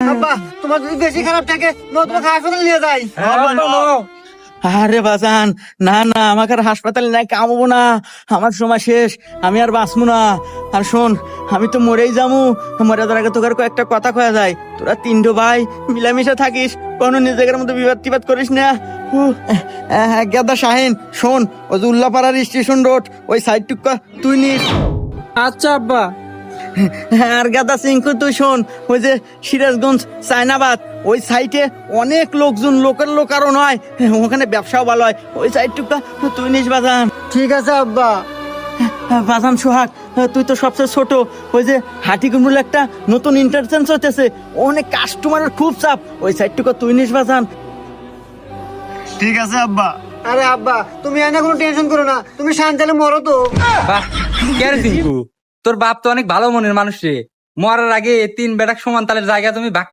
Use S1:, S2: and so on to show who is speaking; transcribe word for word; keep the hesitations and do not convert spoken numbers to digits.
S1: আব্বা তোমার যদি বেশি খারাপ থাকে নো তোমাকে হাসপাতালে নিয়ে যাই।
S2: আরে বাজান, না না, আমাকে আর হাসপাতালে নাই কামবো না, আমার সময় শেষ, আমি আর বাঁচবো না। আর শোন, আমি তো মরেই যাবো, মরে যাওয়ার আগে তোকে আর কয়েকটা কথা কয়া যায়। তোরা তিনটো ভাই মিলামিশা থাকিস, কোনো নিজেদের মধ্যে বিবাদ টিবাদ করিস না। উহ, আহ, গেদা শাহিন, শোন, ওই যে উল্লাপাড়ার স্টেশন রোড ওই সাইড টুকা তুই নিস।
S1: আচ্ছা আব্বা।
S2: আর গাদা সিংকু তুই শোন, ওই যে সিরাজগঞ্জ চায়নাবাদ ওই সাইটে অনেক লোকজন, লোকের লোক আরো নয়, ওখানে ব্যবসাও ভালো হয়, ওই সাইডটুকটা তুই নিস বাজান।
S1: ঠিক আছে আব্বা।
S2: বাজান সোহাগ, তুই তো সবচেয়ে ছোট, ওই যে হাটিকুমরুল একটা নতুন ইন্টারচেঞ্জ হতেছে, অনেক কাস্টমারের খুব চাপ, ওই সাইডটুকু তুই নিস বাজান।
S1: ঠিক আছে আব্বা। আরে আব্বা তুমি এনে কোনো টেনশন করো না, তুমি শান্তালে মরো তো।
S3: বাহ, কে রে টিঙ্কু, তোর বাপ তো অনেক ভালো মনের মানুষ রে। মরার আগে তিন বেটাক সমান তালের জায়গা তুমি ভাগ